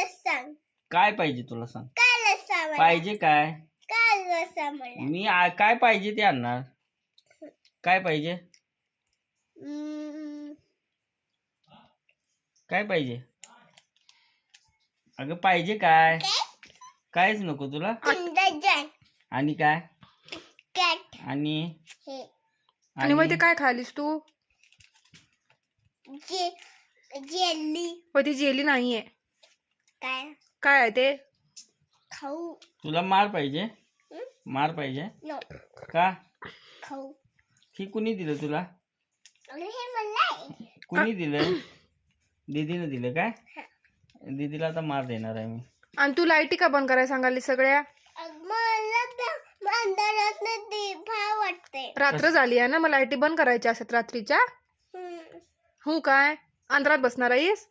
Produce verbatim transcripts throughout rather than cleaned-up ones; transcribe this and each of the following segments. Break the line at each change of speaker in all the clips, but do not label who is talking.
सांग.
काय पाहिजे तुला सांग.
काय सांग
पाहिजे काय.
काय सांग मला.
मी आ- काय पाहिजे ते आणणार. काय पाहिजे.
हम्म,
काय पाहिजे. अगं पाहिजे काय.
काय?
कायच नको तुला.
किंडर जॉय
आणि काय.
कॅट
आणि
हे
आणि मग ते काय खालीस तू.
जे जेली
पण ती जेली नाहीये.
काय
काय आहे ते.
खाऊ.
तुला मार पाहिजे.
हं?
मार पाहिजे
नो
का.
खाऊ.
ही कुणी दिलं तुला.
अरे हे मला आहे.
कुणी दिलं. दीदीनं दिलं काय. दीदीला आता मार देणार आहे मी.
आणि तू लाईटी का बंद करायला सांगाली सगळ्या.
मला तर अंधारात ते भा वाटते.
रात्र झाली आहे ना मग लाईटी बंद करायच्या असतात रात्रीच्या.
हम्म.
हो काय अंधारात बसणार आहेस.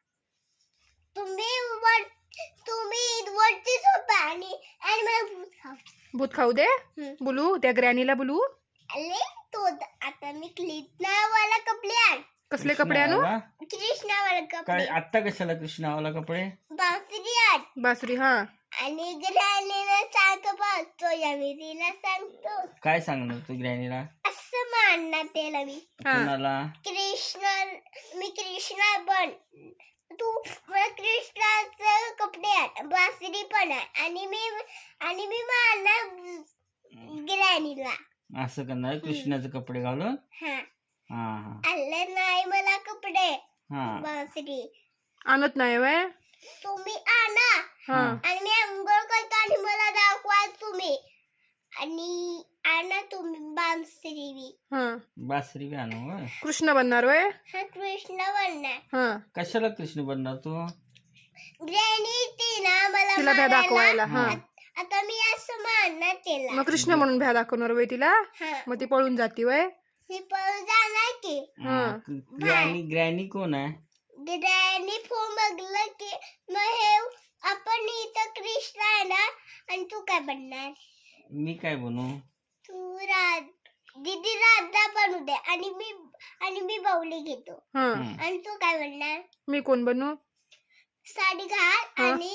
तुम्ही वर तुम्ही वरती झोपा आणि आणि मला भूत खाऊ.
भूत खाऊ दे.
हम्म.
बोलू त्या ग्रॅनीला बोलू.
अरे तो द- आता मी कृष्णावाला कपडे आण.
कसले कपडे आणू.
कृष्णावाला?
कृष्णावाला
काय
कपडे
आत्ता कशाला कृष्णावाला कपडे.
बासरी आण.
बासरी हा.
आणि ग्रॅनीला सांग बघतो या मी तिला सांगतो
काय सांगणार तू ग्रॅनीला.
असं मानणार त्याला मी.
हा.
कुणाला.
कृष्णा मी कृष्णा बन तू मला कृष्णाचे कपडे आण बासरी पण आहे आणि मी आणि मी मारणार ग्रॅनीला.
असं करणार कृष्णाचे कपडे घालून.
हा
हा हा
आले नाही मला कपडे
हा
बासरी
आणत नाही वय.
तुम्ही आणा
हा.
आणि मी अंघोळ करतो आणि मला दाखवा तुम्ही आणि आणा तुम्ही बासरी बी.
हा.
बासरी बी आणू होय.
कृष्ण बनणार वय.
हा कृष्ण बनणार.
हा.
कशाला कृष्ण बनणार तू.
ग्रॅनी ती ना मला
तिला भ्या
मारायला.
दाखवायला. हा.
आ- आता मी असं मारणार तिला.
मग कृष्ण म्हणून भ्या दाखवणार वय तिला.
हा
मग ती पळून जाती वय.
ती पळून जाणार की.
हा.
ग्रॅनी ग्रॅनी कोण आहे.
ग्रॅनी फोन बघलं की मग हे आपण इथं कृष्ण आहे ना आणि तू काय बनणार.
मी काय बनू.
तू राध दीदी राधा बनू दे आणि मी आणि मी बाहुली घेतो.
हा.
हम्म.
आणि तू काय बनणार.
मी कोण बनू.
साडी घाल
हा.
आणि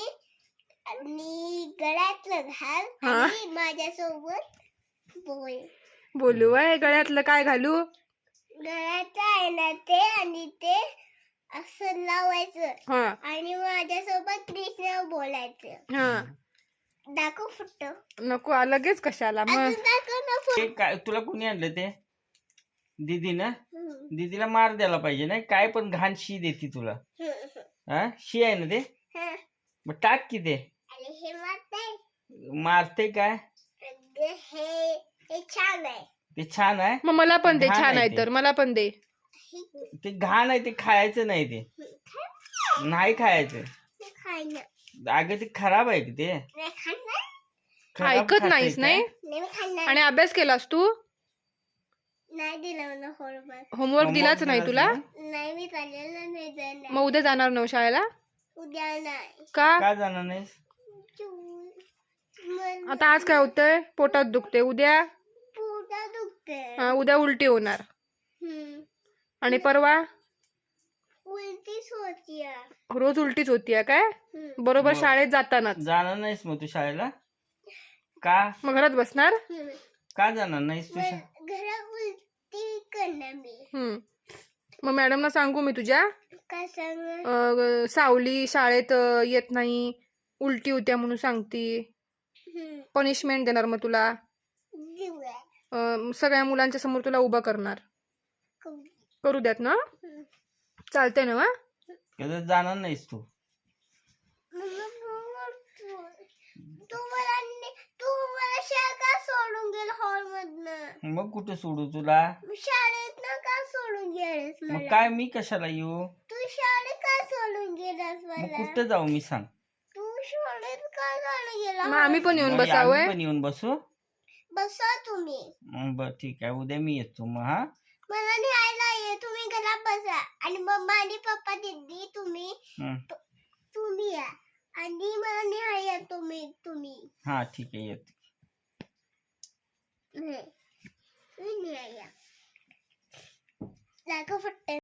आणि गळ्यातलं घाल
हा.
आणि माझ्यासोबत बोल.
बोलू वय. गळ्यातलं काय घालू.
गळ्याचं आहे ना ते आणि ते असं लावायचं
हा.
आणि माझ्यासोबत कृष्ण बोलायचं.
हा.
दाखव फुट.
नको आ, लगेच कशाला मग.
अजून दाखव ना फुट.
ते काय तुला कुणी आणलं ते. दीदी ना. दीदीला मार द्यायला पाहिजे नाही. काय पण घाण शी देती तुला. हा शी आहे ना ते. मग टाक की ते.
अरे हे मारते
मारते काय.
हे हे छान आहे.
ते छान आहे.
मग मला पण दे.
घाण
छान
आहे
आहे
ते.
तर मला पण दे.
ते घाण आहे. ते खायचं नाही. ते नाही खायचं.
हे खायला
अगं ते खराब आहे की ते.
नाही खाणार.
खराब
ऐकत
खाते
नाहीस
काय?
नाही.
नाही मी खाणार.
आणि अभ्यास केलास तू.
नाही दिलं मला होमवर्क.
होमवर्क
Homework
दिलाच नाही
दिलाच
तुला.
नाही?
नाही मी चाललेलं नाही जाणार.
मग उद्या जाणार नव शाळेला.
उद्या नाही.
का.
का जाणार नाहीस.
मला
आता आज काय होतंय. पोटात दुखते. उद्या
पोटा दुखते.
हा, उद्या उलटी होणार.
हम्म.
आणि परवा
उलटीच होती.
रोज उलटीच होतीये काय. बरोबर
मग.
शाळेत जातानाच.
जाणार नाहीस मग तू शाळेला. का
मग घरात बसणार.
का जाणार नाहीस तू शा-
घरात उलटी करणार मी.
हम्म. मग मॅडमना सांगू मी तुझ्या.
काय सांग.
अं, सावली शाळेत अं, येत नाही. उलटी होत्या म्हणून सांगती. पनिशमेंट देणार मग तुला.
देऊया.
अं, सगळ्या मुलांच्या समोर तुला उभा करणार. करू द्यात ना. चालतंय ना.
कधी जाणार नाहीस तू.
तू मला ने- तू मला शाळा का सोडून गेल हॉल मधनं.
मग कुठं सोडू तुला.
शाळेत ना का सोडून गेलस
मग
मला.
काय मी कशाला येऊ.
तू शाळेत का सोडून गेलास
मग
मला.
कुठं जाऊ मी सांग.
तू शाळेत का जाणं गेला.
मग आम्ही पण येऊन
मग आम्ही
बसावंय.
पण येऊन बसू.
बसा तुम्ही.
मग बर ठीक आहे उद्या मी येतो मग. हा
मला न्यायला ये. तुम्ही घरात बसा आणि मम्मा आणि पप्पा दीदी तुम्ही
हं.
तुम्ही या आणि मला न्याय तुम्ही तुम्ही
हा ठीक आहे येतो.
नाही तुम्ही न्याय दाखव फक्त.